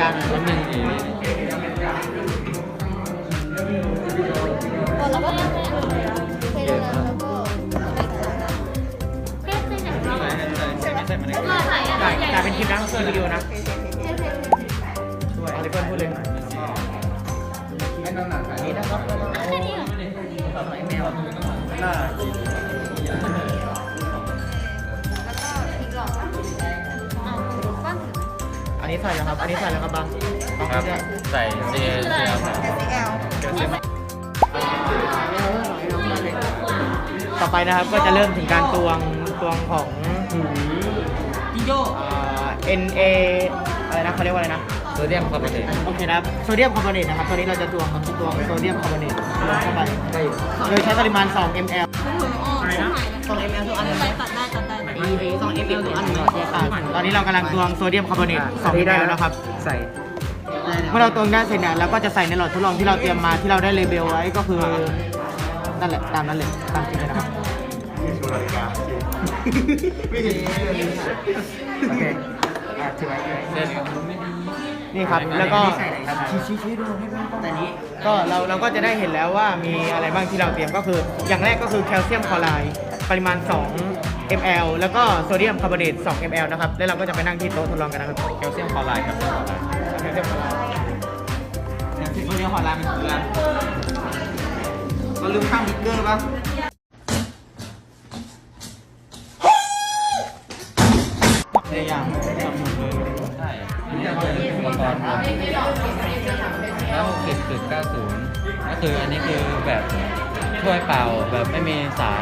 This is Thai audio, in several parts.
างๆนิดนึงเราก็ตั้งเคยแล้วก็กลายเป็นคลิปนะคือวิดีโอนะช่วยอะไรเพื่อนพูดเลยนี่นะครับแมวน่ากินอันนี้ใส่แล้วครับ อันนี้ใส่แล้วครับบังครับใส่เซียครับต่อไปนะครับก็จะเริ่มถึงการตวงของจิโยNA อะไรนะเขาเรียกว่าอะไรนะโซเดียมคาร์บอเนตโอเคนะครับโซเดียมคาร์บอเนตนะครับตอนนี้เราจะตวงโซเดียมคาร์บอเนตลงเข้าไปโดยใช้ปริมาณ2 ml อะไรนะ2 ml ทุกอันเลยตัดได้ 2 ml ทุกอันเลยตอนนี้เรากำลังตวงโซเดียมคาร์บอเนต2 ml นะครับใส่เมื่อเราตวงได้เสร็จเนี่ยเราก็จะใส่ในหลอดทดลองที่เราเตรียมมาที่เราได้เลเบลไว้ก็คือนั่นแหละตามนั้นเลยตามจริงเลยนะครับโอเคถือไว้นี่ครับแล้วก็ชี้ดูแต่นี้ก็เราก็จะได้เห็นแล้วว่ามีอะไรบ้างที่เราเตรียมก็คืออย่างแรกก็คือแคลเซียมคลอไรด์ปริมาณ2 ml แล้วก็โซเดียมคาร์บอเนต2 ml นะครับแล้วเราก็จะไปนั่งที่โต๊ะทดลองกันนะครับแคลเซียมคลอไรด์ครับแคลเซียมคลอไรด์โซเดียมคลอไรด์มันคืออะไรเราลืมข้างบิ๊กเกอร์ป่ะในอย่างใช่อุปกรณ์แล้ว60.90ก็คืออันนี้คือแบบถ้วยเปล่าแบบไม่มีสาร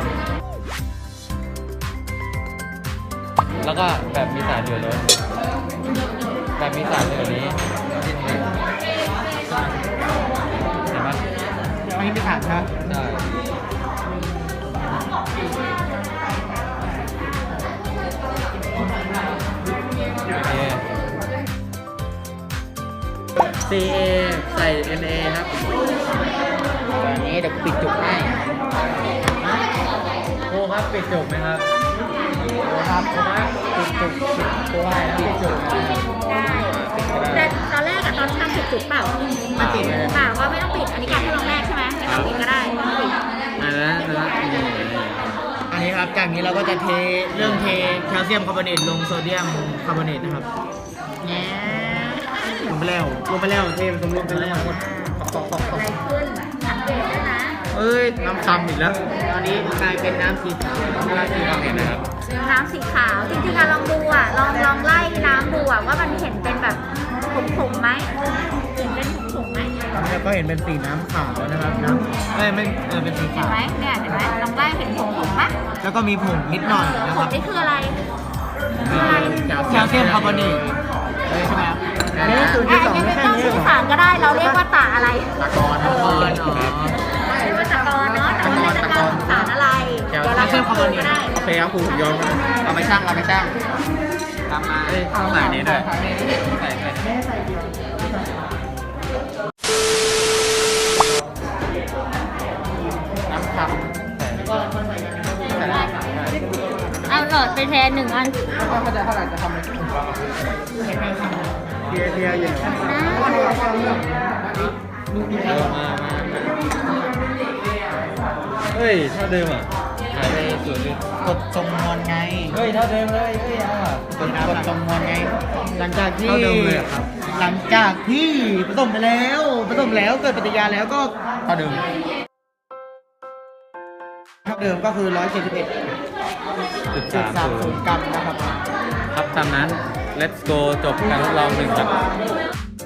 แล้วก็แบบมีสารเหลือล้นแบบมีสารเหลือนี้เห็นไหมอันนี้เป็นถาดนะใช่CA ใส่ NA ครับตอนนี้เดี๋ยวปิดจุกให้โค้ครับปิดจบไหมครับครับปิดจุกโค้ให้ปิดจบได้แต่ตอนแรกอะตอนทำผิดจุดเปล่าไม่ปิดเปล่าว่าไม่ต้องปิดอันนี้การทดลองแรกใช่ไหมไม่ต้องปิดก็ได้ไม่ต้องปิดอันนี้ครับจากนี้เราก็จะเริ่มเทแคลเซียมคาร์บอเนตลงโซเดียมคาร์บอเนตนะครับลงไปแล้วเทผสมรวมกันแล้วอะไรขึ้นสังเกตด้วยนะเอ้ยน้ำซ้ำอีกแล้วตอนนี้กลายเป็นน้ำสีขาวเห็นนะครับน้ำสีขาวจริงๆอะลองดูอะลองไล่น้ำดูอะว่ามันเห็นเป็นแบบผงไหมเห็นเป็นผงไหมแล้วก็เห็นเป็นสีน้ำขาวนะครับน้ำไม่เป็นสีเห็ขานวไหมเนี่ยเห็นไหมลองไล่เห็นผงไหมแล้วก็มีผงนิดหน่อยนะผครับงนี่คืออะไรแคลเซียมคาร์บอเนตใช่ไหมครับนี่คือที่สองไม่ต้องสื่อสารก็ได้เราเรียกว่าตาอะไรตะกอนเรียกว่าตะกอนเนาะแต่ว่าตะกอนสารอะไรเดี๋ยวเราเชื่อมคาร์บอเนตโอเคครับครูผมยอมเราไปช่างตามมาต้องใส่นี้ด้วยใส่น้ำขับเอาหลอดไปแทน1 อันก็จะเท่าไหร่จะทำอะไรเทียอยู่มาเฮ้ยเท่าเดิมอ่ะหายไปส่วนนึงกดทรงมวลไงเฮ้ยเท่าเดิมเลยเฮ้ยเอาอ่ะกดทรงมวลไงหลังจากที่เท่าเดิมเลยครับหลังจากที่ผสมไปแล้วเกิดปฏิกิริยาแล้วก็เท่าเดิมก็คือ 171.30 กรัมนะครับครับตามนั้น let's go จบการทดลอง1ครับ